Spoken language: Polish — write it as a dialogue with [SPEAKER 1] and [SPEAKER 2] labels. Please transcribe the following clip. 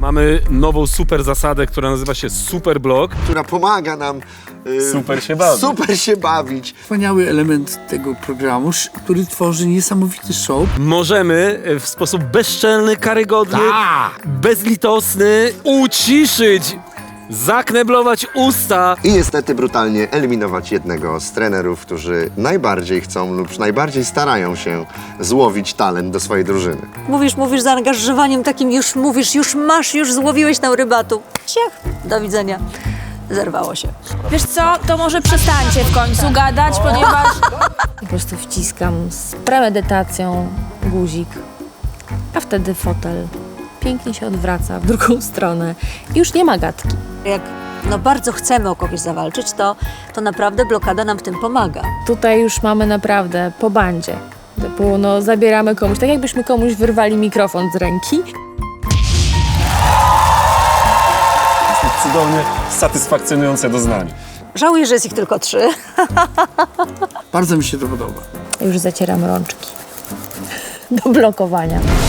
[SPEAKER 1] Mamy nową super zasadę, która nazywa się Super Blok.
[SPEAKER 2] Która pomaga nam
[SPEAKER 1] Super się bawić.
[SPEAKER 3] Wspaniały element tego programu, który tworzy niesamowity show.
[SPEAKER 1] Możemy w sposób bezczelny, karygodny, bezlitosny uciszyć, zakneblować usta.
[SPEAKER 2] i niestety brutalnie eliminować jednego z trenerów, którzy najbardziej chcą lub najbardziej starają się złowić talent do swojej drużyny.
[SPEAKER 4] Mówisz z zaangażowaniem takim, już mówisz, już masz, już złowiłeś tam rybatu. Ciach, do widzenia. Zerwało się.
[SPEAKER 5] Wiesz co, to może przestańcie w końcu gadać, ponieważ...
[SPEAKER 6] Po prostu wciskam z premedytacją guzik, a wtedy fotel pięknie się odwraca w drugą stronę i już nie ma gadki.
[SPEAKER 4] Jak bardzo chcemy o kogoś zawalczyć, to naprawdę blokada nam w tym pomaga.
[SPEAKER 6] Tutaj już mamy naprawdę po bandzie. Typu, zabieramy komuś, tak jakbyśmy komuś wyrwali mikrofon z ręki.
[SPEAKER 7] Cudownie satysfakcjonujące doznanie.
[SPEAKER 4] Żałuję, że jest ich tylko 3.
[SPEAKER 3] Bardzo mi się to podoba.
[SPEAKER 6] Już zacieram rączki do blokowania.